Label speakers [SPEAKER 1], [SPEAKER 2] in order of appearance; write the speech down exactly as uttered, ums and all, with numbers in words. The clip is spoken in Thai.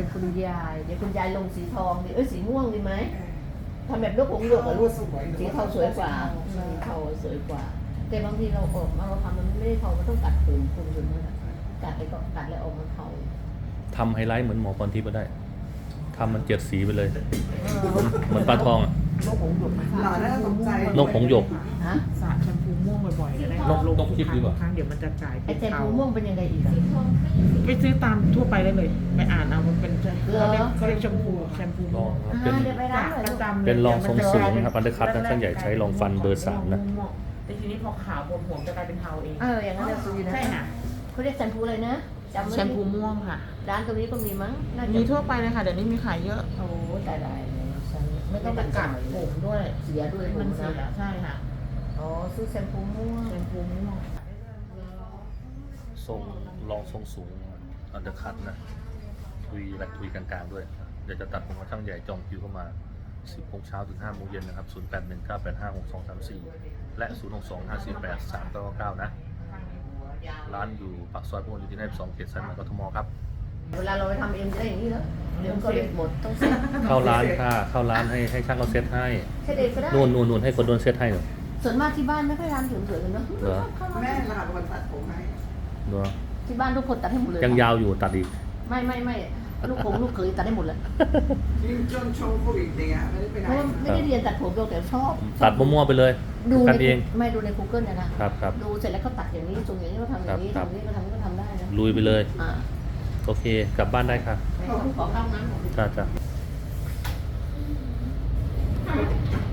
[SPEAKER 1] เป็นคุณยายเดี๋ยวคุณยายลงสีทองดิเอ้ยสีม่วงดีไหมทำแบบลูกหงส์หยวกกับลูกสีเทาสวยกว่าสีเทาสวยกว่าแต่บางทีเราออกมาเราทำมันไม่ได้เทามันต้องกัดผมคุณอยู่นั่นแหละกัดไปก็กัดแล้วออกมาเทา
[SPEAKER 2] ทำไฮไลท์เหมือนหมอพรทิพย์ก็ได้ทำมันเจ็ดสีไปเลยเหมือนปลาทองอะ
[SPEAKER 1] นกหงส์หยก
[SPEAKER 3] หล่อน่าสนใจ
[SPEAKER 2] นกหงส์หยก
[SPEAKER 1] ฮะ
[SPEAKER 4] สระแชมพูม่วงบ่อยๆจะได้
[SPEAKER 2] นกนกทิพย์ดีกว่า
[SPEAKER 4] ครั้งเดี๋ยวมันจะกลาย
[SPEAKER 1] ไอ
[SPEAKER 4] เป็น
[SPEAKER 1] แชม
[SPEAKER 4] เทา
[SPEAKER 1] พูม่วงเป็นยังไงอีกอะ
[SPEAKER 4] ไปซื้อตามทั่วไปได้เลยไปอ่านเอามันเป็น
[SPEAKER 1] เหรอ
[SPEAKER 4] เขาเรียกเขาเรียกแชมพูแชมพู
[SPEAKER 2] ล
[SPEAKER 4] ม่
[SPEAKER 2] อ
[SPEAKER 4] ว
[SPEAKER 2] ง
[SPEAKER 4] ง
[SPEAKER 2] ครับเป็น
[SPEAKER 1] เดี๋ยวไปร้านหน่อย
[SPEAKER 4] ป
[SPEAKER 1] ลู
[SPEAKER 4] ระ
[SPEAKER 1] ก
[SPEAKER 4] จำลย
[SPEAKER 2] เป็นรองทรงสูงนะครับอันเดอร์คัตนะช่างใหญ่ใช้รองฟันเบอร์สามนะ
[SPEAKER 4] แต่ทีนี้พอขาวบนหัวจะกลายเป็นเทาเอง
[SPEAKER 1] เอออย่างนั้นเราซื้อนะ
[SPEAKER 4] ใช่ค่ะ
[SPEAKER 1] เขาเรียกแชมพูอะไรนะจำไว้
[SPEAKER 4] แชมพูม่วงค่ะ
[SPEAKER 1] ร้านตรงนี้ก็มีมั้งน่าจะ
[SPEAKER 4] มีทั่วไปเลยค่ะเดี๋ยวนี้มีขายเยอะ
[SPEAKER 1] โอ้ตายได้เลยฉัน
[SPEAKER 4] ไม่ต้องไปกัดผมด้วย
[SPEAKER 1] เสียด้วย
[SPEAKER 4] มัน
[SPEAKER 1] ผม
[SPEAKER 4] เสีย
[SPEAKER 1] นะ
[SPEAKER 4] ใช่ค่ะ
[SPEAKER 1] อ๋อซื้อแชมพูม่วง
[SPEAKER 4] แชมพูม่วง
[SPEAKER 2] ทรงรองทรงสูงอันเดอร์คัตนะทุยและทุยกลางๆด้วยเดี๋ยวจะตัดผมกับช่างใหญ่จองคิวเข้ามาสิบโมงเช้าถึงห้าโมงเย็นนะครับศูนย์ แปด หนึ่ง เก้า แปด ห้า หก สอง สาม สี่และศูนย์ หก สอง ห้า สี่ แปด สาม เก้า เก้านะร้านอยู่ปากซอยพหลโยธินยี่สิบสองเขตสายไหมกทมครับ
[SPEAKER 1] เวลาเราไปทำเองจะได้อย่างนี้เหรอเดี๋ยวมันก็เด็ดหมดต้องเซ็ต
[SPEAKER 2] เข้าร้านค่ะเข้าร้านให้ให้ช่างเขาเซตให้
[SPEAKER 1] เซ็ตเองก็ได้
[SPEAKER 2] นู่นนู่นนู่นให้คนโดนเซตให้หน่อย
[SPEAKER 1] ส่วนมากที่บ้านไม่ค่อยร้านสวยๆกันเนอะ
[SPEAKER 2] เหรอ
[SPEAKER 3] แม่ลาวันตัดผมให้
[SPEAKER 2] เนาะ
[SPEAKER 1] ที่บ้านทุกคนตัดให้หมดเลย
[SPEAKER 2] ยังยาวอยู่ตัดอีก
[SPEAKER 1] ไม่ไม่ไม่ลูกคงลูกเขยตัดให้หมดเลย
[SPEAKER 3] ยิ่งจนช่วงโควิดเนี่ยไม่ได้ไปไหน
[SPEAKER 1] เพราะว่าไม่ได้เรียนตัดผมเราแต่ชอบ
[SPEAKER 2] ตัดมั่วๆไปเลย
[SPEAKER 1] ดู
[SPEAKER 2] กัน
[SPEAKER 1] ใน
[SPEAKER 2] เอง
[SPEAKER 1] ไม่ดูใน Google นะนะครับ
[SPEAKER 2] ครับ
[SPEAKER 1] ดูเสร็จแล้วเขาตัดอย่างนี้ตรงอย่างนี้ก็ทำอย่างนี้
[SPEAKER 2] ครับ
[SPEAKER 1] ทำนี้ก็ทำก็ทำได้นะ
[SPEAKER 2] ลุยไปเลย
[SPEAKER 1] อ่า
[SPEAKER 2] โอเค กลับบ้านได้ค่ะ
[SPEAKER 1] ขอเข้าน้ำหน่อย
[SPEAKER 2] จ้าจ้า